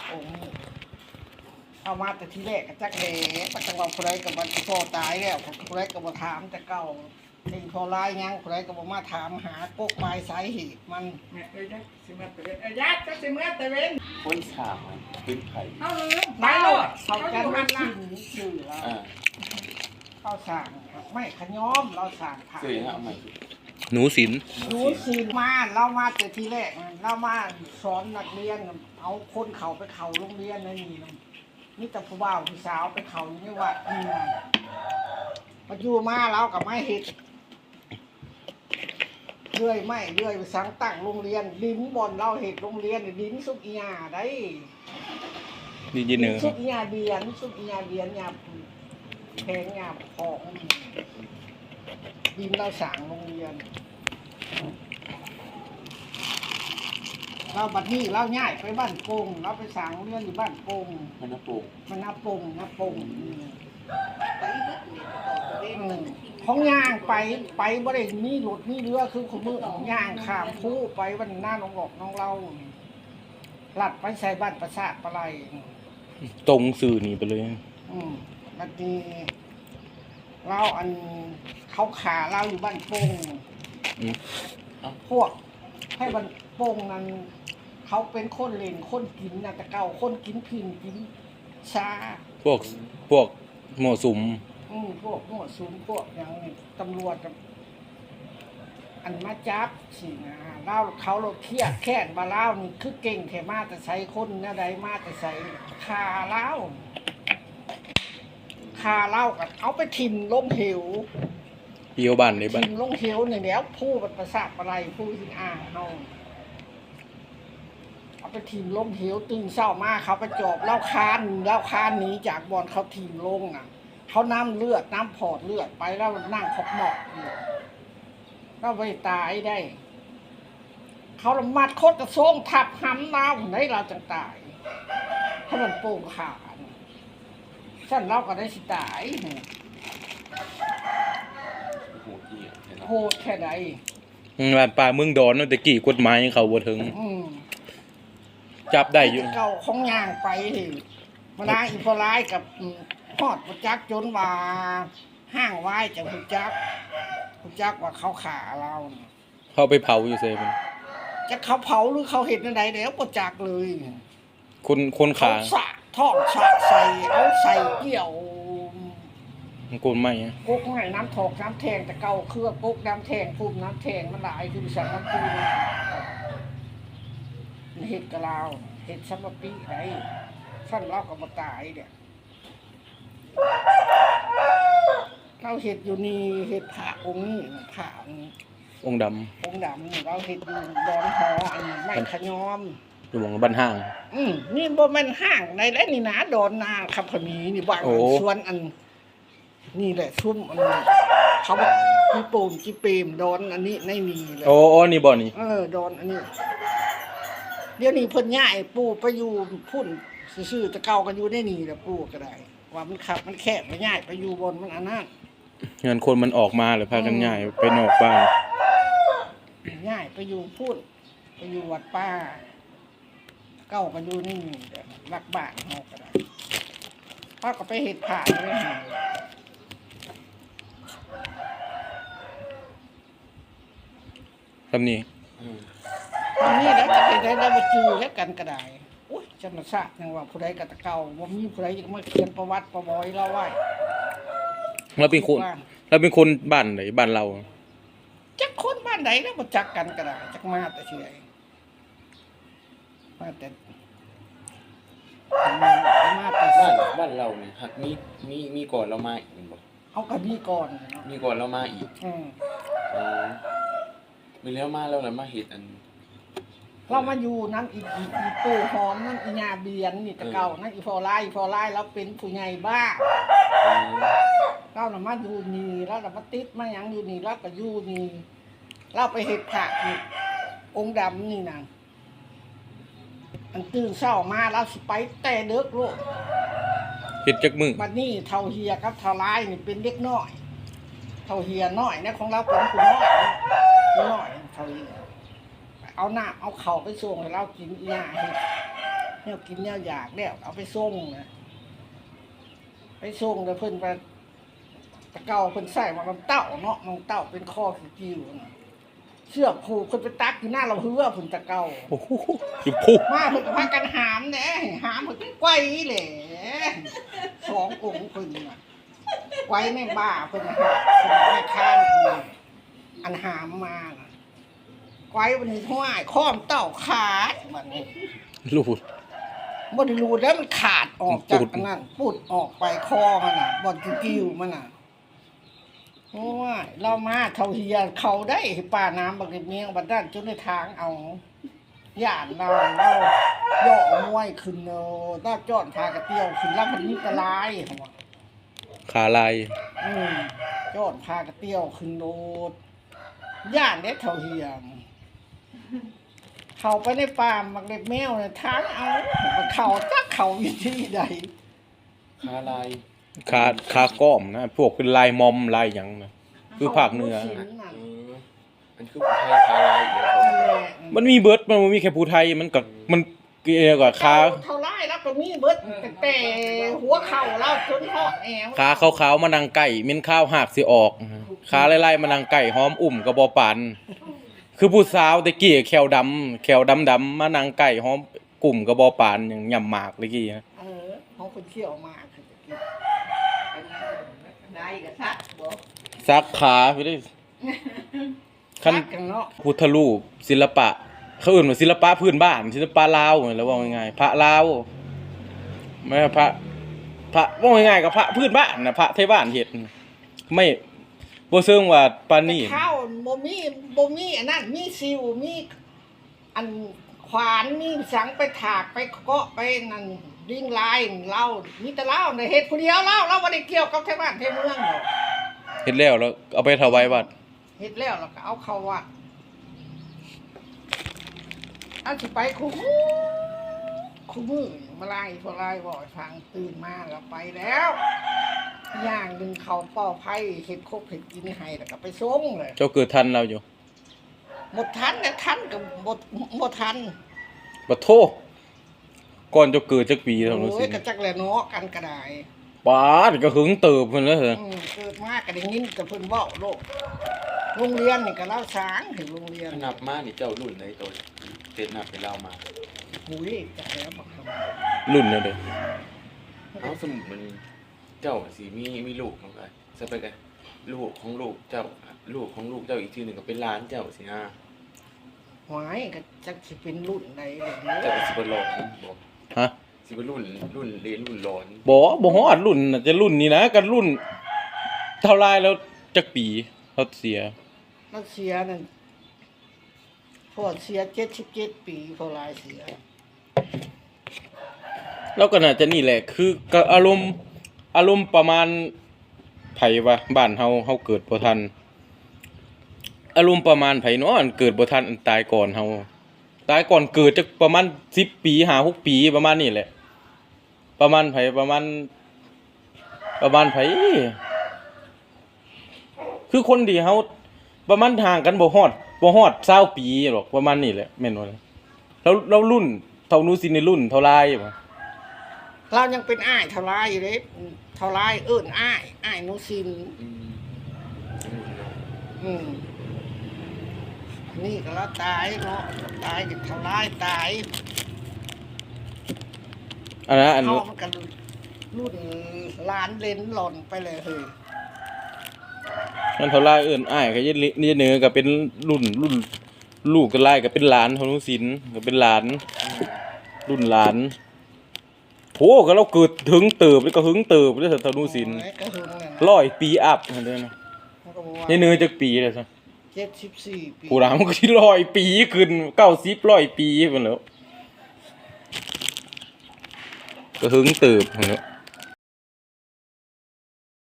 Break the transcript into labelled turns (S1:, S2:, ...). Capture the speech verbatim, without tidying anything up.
S1: องค์เอามาแต่ทีแรกก็จักแหล่ปัจจุบันคนใดกับวันที่พ่อตายแล้วคนใดก็มาถามแต่เก่าที่พอร้ายยังคนใดก็มาถามหากกปลายสาเหตุมัน
S2: แม่เอ้ยยักษ์สิมาตะเวนเอ้ยยักษ์จักสิมาตะเวน
S3: คนสามขึ้นไผ่
S2: เอาลืมไป
S1: ไม่
S2: โล
S1: หรอ
S2: ด
S1: เขา
S2: เขา
S1: กัน
S2: อยู่
S1: มั
S2: กัน น
S1: ละ
S2: ละ
S1: ชื่อแล้ว
S3: อ่า
S1: เขาสั่งไม่ขย้อมเราสั่งผ่าน
S3: สื่อยังไงเอาใหม่
S4: หนูศิล
S1: รู้สิมาเรามาแต่ทีแรกนะเรามาสอนนักเรียนเอาคนเขาไปเขาโรงเรียนนั่นนี่นะนี่แต่ผู้บ่าวผู้สาวไปเขาอยู่นี่ว่านี่นะมาอยู่มาเรากับไม่เห็ดเรื่อยไม่เรื่อยไปสังตั้งโรงเรียนลิ้นบอลเราเห็ดโรงเรียนลิ้นสุกอียาได้
S4: ดีเจเนอร์
S1: สุกอียาเบียนสุกอียาเบียนยาแพงยาของดินเราสั่งโรงเรียนเราบัดนี้เราย้ายไปบ้านโป่งเราไปสั่งโรงเรียนอยู่บ้านโป่ง
S3: มันน่าปลูก
S1: มันนับปงนับปงของย่างไปไปบ่ได้มีรถมีเรือคือของมือของย่างข้ามผู้ไปวันหน้าน้องบอกน้องเล่าลัดไปใส่บ้านประสาทปลาไหล
S4: ตรงสื่อนี่ไปเลย
S1: อืมบัดนี้เราอันเขาขาเราอยู่บ้านโป่ง
S4: อืม
S1: พวกให้บ้านโป่งนั้นเขาเป็นคนเล่นคนกินนะแต่เก่าคนกินพินกินชา
S4: พวกพวกหมอสุม
S1: อืมพวกหมวดซูมพวกอย่างนี้ตำรวจกับอันมาจับสินะเล่าเขาเราเครียดแค้นมาเล่านี่คือเก่งแค่มาแต่ใส่คนนะใดมาแต่ใส่คาเล่าคาเล่ากับเอาไปทิมลงเหว
S4: เอียวบ้านในบ้า
S1: ทิ
S4: น
S1: มลงเหวเนี่ยแล้วผู้มันประสาทอะไรผู้สินอ่างเฮาเอาไปทิมลงเหวตื่นเช้ามาเขาไปจอบเล่าคานเล่าคานหนีจากบอลเขาทิมลงอ่ะเขาน้ำเลือดน้ำพอดเลือดไปแล้วนั่งขบหมอกอยู่เราไปตายได้ เขาละมัดโคตรกระทรงทับห้ำเราได้เราจังตายถ้ามันโป่งขาฉันเราก็ได้สิตาย
S3: โหที่อ่ะเห็นไหม
S1: โหดแค่ใด
S4: บ้านป่าเมืองดอนเนาะแต่กี่กฎหมายยังเขาบ่ถึง
S1: อืม
S4: จับได้อยู่
S1: เก่าของย่างไปมาลาอีพอร้ายกับพอดประจักจนว่าห้างไว้จากประจักประจักว่าเขาขาเราน่ะ
S4: เขาไปเผาอยู่เซมัน
S1: จะเขาเผาหรือเขาเห็นอะไรแล้วประจักเลย
S4: คนคน
S1: เขา
S4: ขา
S1: สะทอดสะใส่เอาใส่เกี่ยว
S4: มันโกนไม่อะ
S1: กุ๊กให้น้ำถอกน้ำแทงแต่เก่าเครื่องกุ๊กน้ำแทงพุ่มน้ำแทงมันหลายคือสั่งน้ำปูเห็ดกะลาวเห็ดซัมปีไรสั้นเล่ากับมาตายเนี่ยเราเห็ดอยู่นี่เห็ดผ่าองค์นี่ผ่าองค์
S4: องค์ด
S1: องค์ดำนี่เราเห็ดอยู่ดอนหออันไม่ขยอม
S4: ำอยู่หมองบ้านห้าง
S1: อืมนี่บ่แมันห้างในและนี่นะดอนนาคำขมีนี่บ้าง
S4: โอ้
S1: สวนอัน นี่แหละชุ่มอันเขาบอกจีปูมจีเปรมดอนอันนี้ในนี่เลย
S4: โอ้โอ้นี่บ่นี่
S1: เออดอนอันนี้ เดี๋ยวนี้เพิ่นย้ายปู่ไปอยู่พุ่นซื่อๆแตะเก่ากันอยู่ในนี่แหละปู่ก็ได้ ว่ามันขับมันแคบไปย้ายไปอยู่บนมันอันนั้น
S4: เงินคนมันออกมาหรือพากันง่ายไปนอกบ้าน
S1: ย้ายไปอยู่พุ่นไปอยู่วัดป้า เก่ากันอยู่ในนี่เด้อรักบ้านเฮาก็ได้พ่อก็ไปเฮ็ดผ่านเลยหั่น
S4: ทำนี่
S3: อืม
S1: ตอนนี้แล้วจะไปได้แล้วมาจือแล้วกันก็ได้อุ้ยจันทราบยังว่าผู้ใดก็ตะเก่าบ่มีผู้ใดจะมาเขียนประวัติประบอยเราไว้
S4: เราเป็นคนเราเป็นคนบ้านไหนบ้านเรา
S1: จักคนบ้านไหนแล้วบ่จักกันก็ได้จักมาแต่เฉยมาแต่มาแต่
S3: บ้า
S1: สิ
S3: นบ้านเราเนี่ยหักมีมีมีก่อนเรามาอีกบ่
S1: เอากับมีก่อนเนาะ
S3: มีก่อนเรามาอีก
S1: อืม
S3: อ๋อมีแล้วมาแล้วแล้วมาเห็ดอัน
S1: เรามาอยู่นั้นอีอีอีตู้หอมนั่นอีญาเบียนนี่แตะเก่านั่นอีฟอไลอีฟอไลเราเป็นผู้ใหญ่บ้า
S3: อ๋อ
S1: เราน่ะมาอยู่นี่แล้วเรามาติดมาหยังอยู่นี่เราก็อยู่นี่เราไปเฮ็ดผักนี่องค์ดำนี่นะอันตื่นเช้ามาเราสิไปแต่เด็กลูก
S4: เฮ็ดจักมือ
S1: บัดนี้เท่าเฮียกับเท่าลายนี่เป็นเด็กน้อย เท่าเฮียน้อยนะของเราเป็นผู้น้อยผู้น้อยเท่าเฮียเอาหน้าเอาเข่าไปส่งให้เรากินอีหยาเฮ็ดเนี่ยกินเนี่ยอยากแล้วเอาไปส่งนะไปส่งแล้วเพิ่นไปตะเกาเพิ่นใส่มาลำเต้าเนาะลำเต้าเป็นข้อกิ้วๆนะเชือกผูกเพิ่นไปตักอยู่หน้าเราเฮือเพิ่นตะเกา
S4: โอ้โหอยู่พุก
S1: มาเพิ่นก็พากันหามแหน่หามเพิ่นก็ไกวแหละสององค์เพิ่นน่ะไกวในบ้าเพิ่นน่ะเพิ่นแม่ค้านอันหามมาน่ะไกววันนี้ห้วยค้อมเต้าขาดบัดนี้
S4: รูด
S1: บ่ได้รูดแล้วมันขาดออกจากอันนั้นปุดออกไปคอมันน่ะบ่อนกิ้วๆมันน่ะโอ้ยเรามาเท่าเฮียเขาได้ป้าน้ำบักเมียงบัดนั้นจนในทางเอาย่านเราเราย่อมวยขึ้นเนาะต้าจอดพากระเตี้ยวขึ้นลำพันนิตลายหั่นว่า
S4: ขาลาย
S1: อืมจอดพากระเตี้ยวขึ้นโนดย่านได้เท่าเฮียมเขาไปในป่ามักเล็บแมวเนี่ยทางเอามันเขาจักเขาวิธีใด
S3: คาลาย
S4: ขาขาก้อมนะพวกเป็นลายมอมลายหยังนะคือภาคเหนือ
S1: ขาบ่
S3: เอ
S1: สิงน่ะ
S3: ออันคือไทยคาลายอีกแล้ว
S1: นั่นแหละ
S4: มันมีเบิร์ดมันบ่มีแค่ผู้ไทยมันก็มันเกี่ยวกับขา
S1: เท่าไรแล้วก็มีเบิดแต่แต่หัวเข่าเราจนหอดแอว
S4: ขาขาวๆมานังไก่เม็นข้าวหักสิออกขาไล่ๆมานังไก่หอมอุ่มกระบอปานคือผู้สาวตะกี้แขวดำแขวดำๆมานังไก่หอมกลุ่มกระบอปานอย่างยำหมากตะกี้นะ
S1: เออเขาคนเที่ยวมาคือจะกิน
S2: ได้ก็ซักบ่
S4: ซักขาไปได้คัน
S1: รักกันเนาะ
S4: พุทธรูปศิลปะเขาเอื่นว่าศิลปะพื้นบ้านศิลปะลาวแล้วว่าง่ายๆพระลาวไม่ใช่พระพระว่าง่ายๆกับพระพื้นบ้านนะพระไทยบ้านเฮ็ดไม่บ่เชิงว่าปานนี้
S1: แต่ข้าวบ่มีบ่มีอันนั้นมีซิวมีอันขวานมีสังไปถากไปเกาะไปนั่นดิ้งลายเล่ามีแต่เล่าในเฮ็ดผู้เดียวเล่าเราบ่ได้เกี่ยวกับไทบ้านไทเมืองดอก
S4: เฮ็ดแล้วแล้วเอาไปถวายวัด
S1: เฮ็ดแล้วแล้วก็เอาเข้าวัดอันสิไปคู่มือคู่มือมาไล่พอไล่บ่อยฟังตื่นมาแล้วไปแล้วอย่างหนึงเขาป่อไผ่เฮ็ดคบเฮ็ดกินให้แล้วก็ไปส่งเลย
S4: เจ้าเกิดทันเราอยู่
S1: หมดทันนะทันกับหมดหมดทัน
S4: บ่โทก่อนเจ้าเกิดจักปีเท่านั้น
S1: โอ้
S4: สิ
S1: ยกระจักแหละเนาะกันก็ได้
S4: ปาดก็หึงเติบเพิ่นแล้วเหรอ
S1: อืมเกิดมาก็ได้ยินแต่เพิ่นเว้าโลกโรงเรียนนี่ก็เล่าช้างถึงโรงเรียน
S3: นับมานี่เจ้ารุ่นไหนตัวเต็ดนับไปเล่ามา
S1: หุยจักแล้วบักค
S4: รุ่นเนี่ยเด้อ
S3: เอาสมุดมันเจ้าสิมีมีลูกมันก็จะไปกันลูกของลูกเจ้าลูกของลูกเจ้าอีกทีหนึ่งก็เป็นหล้านเจ้าสิฮะ
S1: ำหวายก็จักสิเป็นรุ่นใดเลยเด้
S3: เจ้า
S1: อ
S3: ก็สิบหลอนบอก
S4: ฮะ
S3: สิบรุ่นรุ่นเรียนรุ่นหลอน
S4: บ่บ่ฮอดรุ่นน่ะจะรุ่นนี้นะกันรุ่นเท่าไรแล้วจักปีเขาเสีย
S1: เราเสียนั่นพ่อเสียเจ็ดสิบเจ็ดปีพ่อหลายเสีย
S4: แล้วก็น่าจะนี่แหละคือก็อารมณ์อารมณ์ประมาณไผว่าบ้านเฮาเฮาเกิดบ่ทันอารมณ์ประมาณไผเนาะอันเกิดบ่ทันอันตายก่อนเฮาตายก่อนเกิดจักประมาณสิบปีห้าหกปีประมาณนี้แหละ ประมาณไผประมาณ ประมาณไผคือคนที่เฮาประมาณห่างกันบ่ฮอดบ่ฮอดยี่สิบปีหรอกประมาณนี้แหละแม่นบ่ล่ะแล้วแล้วรุ่นเท่านู้สิในรุ่นเท่าไรบ่
S1: เรายังเป็นอ้ายเท่าไรอยู่เลยเท่าไรเอิ้นอ้ายอ้ายนุสิน
S3: อืม
S1: อืมนี่ก็แล้วตายเนาะตายกับเท่าไรตาย
S4: อันนั้นอัน
S1: เขา
S4: นู้น
S1: มันกันรุ่นล้านเลนหล่นไปเลยเฮ้ย
S4: มันเท่าไรเอิ้นอ้ายก็ยยเหนือก็เป็นรุ่นรุ่นลูกก็ไล่ก็เป็นหลานเท่านู้สินก็เป็นหลาน รุ่นหลานโหก็เราเกิดถึงเติบแล้วก็หึงเติบแล้วเท่านู้สิน
S1: โอ้ยกระหึ่งเนี่ยนะ
S4: ร้อยปีอัพนั่นเด้อนะ
S1: มันก็บอกว่า
S4: ในเนื้อจักปีเลยซะ
S1: เจ็ดสิบสี่ปี
S4: ผู้รามก็สิร้อยปีขึ้นเก้าสิบร้อยปีพุ่นแหล้วก็หึงเติบพุ่นแหล้ว